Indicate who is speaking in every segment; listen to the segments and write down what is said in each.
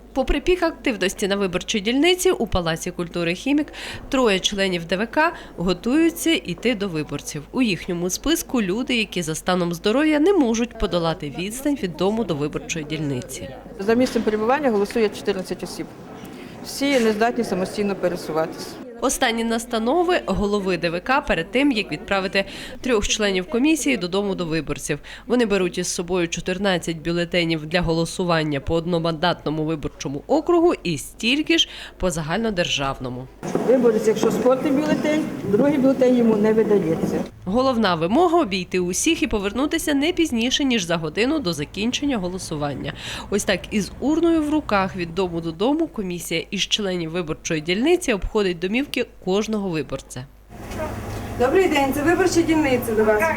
Speaker 1: Попри пік активності на виборчій дільниці, у Палаці культури «Хімік» троє членів ДВК готуються йти до виборців. У їхньому списку люди, які за станом здоров'я не можуть подолати відстань від дому до виборчої дільниці.
Speaker 2: За місцем перебування голосує 14 осіб. Всі не здатні самостійно пересуватися.
Speaker 1: Останні настанови голови ДВК перед тим, як відправити 3 членів комісії додому до виборців. Вони беруть із собою 14 бюлетенів для голосування по одномандатному виборчому округу і стільки ж по загальнодержавному.
Speaker 2: Виборець, якщо спортний бюлетень, другий бюлетень йому не видається.
Speaker 1: Головна вимога – обійти усіх і повернутися не пізніше, ніж за годину до закінчення голосування. Ось так із урною в руках від дому додому комісія із членів виборчої дільниці обходить домівки кожного виборця.
Speaker 3: Добрий день, це виборча дільниця до вас.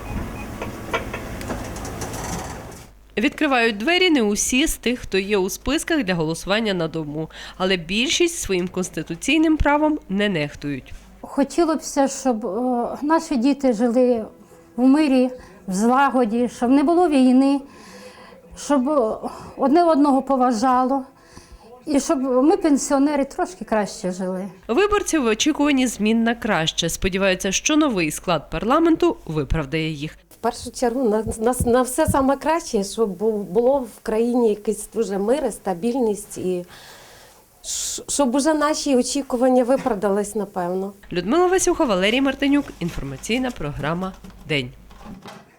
Speaker 1: Відкривають двері не усі з тих, хто є у списках для голосування на дому, але більшість своїм конституційним правом не нехтують.
Speaker 4: Хотілося б, щоб наші діти жили в мирі, в злагоді, щоб не було війни, щоб одне одного поважало і щоб ми, пенсіонери, трошки краще жили.
Speaker 1: Виборці в очікуванні змін на краще. Сподіваються, що новий склад парламенту виправдає їх.
Speaker 5: В першу чергу на все саме краще, щоб було в країні якийсь дуже мир, стабільність і щоб уже наші очікування виправдались, напевно.
Speaker 1: Людмила Васюха, Валерій Мартинюк. Інформаційна програма «День».